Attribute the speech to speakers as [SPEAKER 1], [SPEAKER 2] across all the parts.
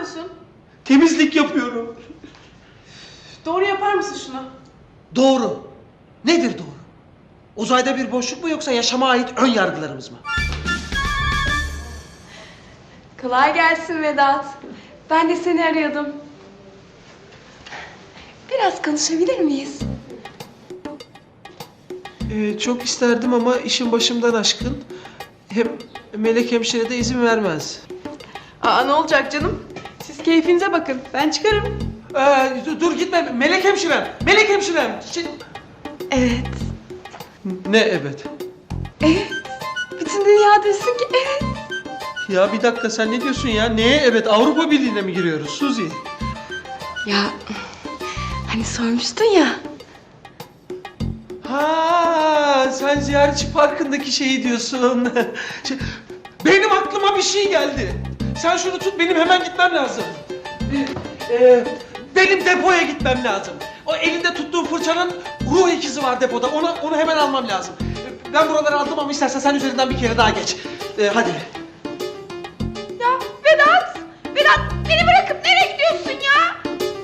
[SPEAKER 1] yapıyorsun?
[SPEAKER 2] Temizlik yapıyorum.
[SPEAKER 1] Doğru yapar mısın şunu?
[SPEAKER 2] Doğru. Nedir doğru? Uzayda bir boşluk mu yoksa yaşama ait ön yargılarımız mı?
[SPEAKER 1] Kolay gelsin Vedat. Ben de seni arıyordum. Biraz konuşabilir miyiz?
[SPEAKER 2] Çok isterdim ama işin başımdan aşkın. Hem Melek hemşire de izin vermez.
[SPEAKER 1] Aa, ne olacak canım? Siz keyfinize bakın. Ben çıkarım.
[SPEAKER 2] Dur gitme Melek hemşirem. Melek hemşirem.
[SPEAKER 1] Evet.
[SPEAKER 2] Ne evet?
[SPEAKER 1] Evet. Bütün dünya desin ki evet.
[SPEAKER 2] Ya bir dakika sen ne diyorsun ya? Neye evet? Avrupa Birliği'ne mi giriyoruz Suzi?
[SPEAKER 1] Ya hani sormuştun ya.
[SPEAKER 2] Ha, sen ziyaretçi parkındaki şeyi diyorsun. Benim aklıma bir şey geldi. Sen şunu tut, benim hemen gitmem lazım. Benim depoya gitmem lazım. O elinde tuttuğum fırçanın ruh ikizi var depoda. Onu hemen almam lazım. Ben buraları aldım ama istersen sen üzerinden bir kere daha geç. Hadi.
[SPEAKER 1] Ya Vedat! Vedat beni bırakıp nereye gidiyorsun ya?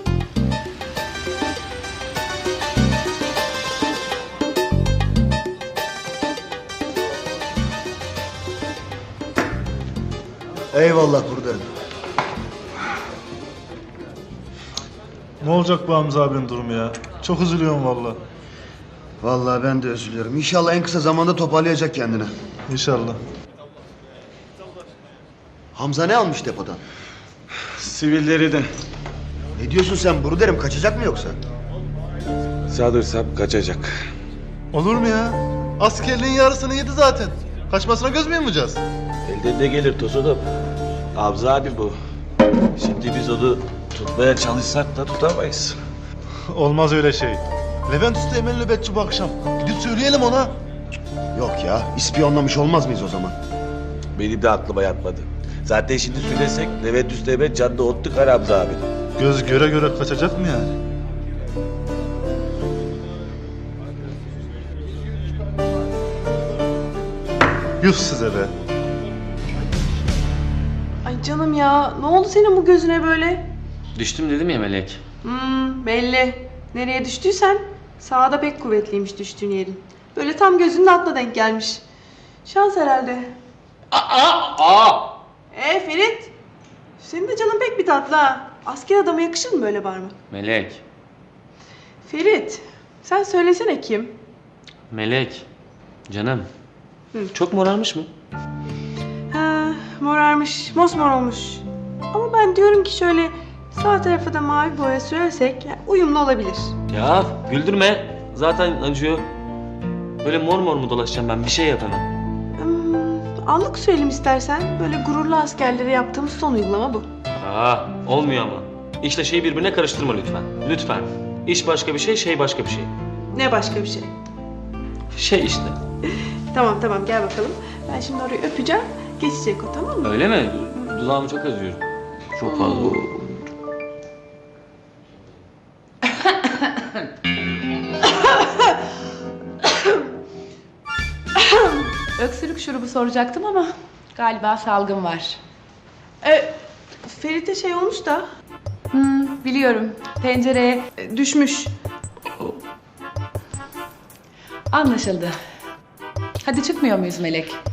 [SPEAKER 3] Eyvallah buradayım.
[SPEAKER 4] Ne olacak bu Hamza abinin durumu ya? Çok üzülüyorum valla.
[SPEAKER 3] Vallahi ben de üzülüyorum. İnşallah en kısa zamanda toparlayacak kendini.
[SPEAKER 4] İnşallah.
[SPEAKER 3] Hamza ne almış depodan?
[SPEAKER 5] Sivilleri de.
[SPEAKER 3] Ne diyorsun sen buradayım? Kaçacak mı yoksa?
[SPEAKER 5] Sanırsam kaçacak.
[SPEAKER 4] Olur mu ya? Askerliğin yarısını yedi zaten. Kaçmasına göz mü yumacağız?
[SPEAKER 5] Elden ne gelir Tosunum? Hamza abi bu. Şimdi biz onu tutmaya çalışsak da tutamayız.
[SPEAKER 4] Olmaz öyle şey. Levent Usta Emel nöbetçi bu akşam. Gidip söyleyelim ona.
[SPEAKER 3] Yok ya. İspiyonlamış olmaz mıyız o zaman?
[SPEAKER 5] Benim de aklıma yatmadı. Zaten şimdi söylesek Levent Üsteğmen canını ottuk Hamza abi.
[SPEAKER 4] Göz göre göre kaçacak mı yani? Yuh size be.
[SPEAKER 1] Ay canım ya ne oldu senin bu gözüne böyle?
[SPEAKER 6] Düştüm dedim ya Melek.
[SPEAKER 1] Belli. Nereye düştüysen sağda pek kuvvetliymiş düştüğün yerin. Böyle tam gözünün altına denk gelmiş. Şans herhalde. Ferit. Senin de canın pek bir tatlı ha. Asker adama yakışır mı böyle bağırmak?
[SPEAKER 6] Melek.
[SPEAKER 1] Ferit. Sen söylesene kim?
[SPEAKER 6] Melek. Canım. Çok morarmış mı?
[SPEAKER 1] Ha, morarmış. Mosmor olmuş. Ama ben diyorum ki şöyle sağ tarafa da mavi boya sürersek uyumlu olabilir.
[SPEAKER 6] Ya güldürme. Zaten acıyor. Böyle mor mor mu dolaşacağım ben? Bir şey yap hemen.
[SPEAKER 1] Anlık söyleyeyim istersen. Böyle gururlu askerlere yaptığımız son uygulama bu.
[SPEAKER 6] Olmuyor ama. İşle şeyi birbirine karıştırma lütfen. Lütfen. İş başka bir şey, şey başka bir şey.
[SPEAKER 1] Ne başka bir şey?
[SPEAKER 6] Şey işte.
[SPEAKER 1] Tamam gel bakalım. Ben şimdi orayı öpeceğim. Geçecek o, tamam mı?
[SPEAKER 6] Öyle mi? Dudağımı çok acıyorum. Çok fazla.
[SPEAKER 7] Öksürük şurubu soracaktım ama galiba salgın var.
[SPEAKER 1] Ferit'e şey olmuş da
[SPEAKER 7] Biliyorum. Tencereye
[SPEAKER 1] düşmüş.
[SPEAKER 7] anlaşıldı. Hadi çıkmıyor muyuz Melek?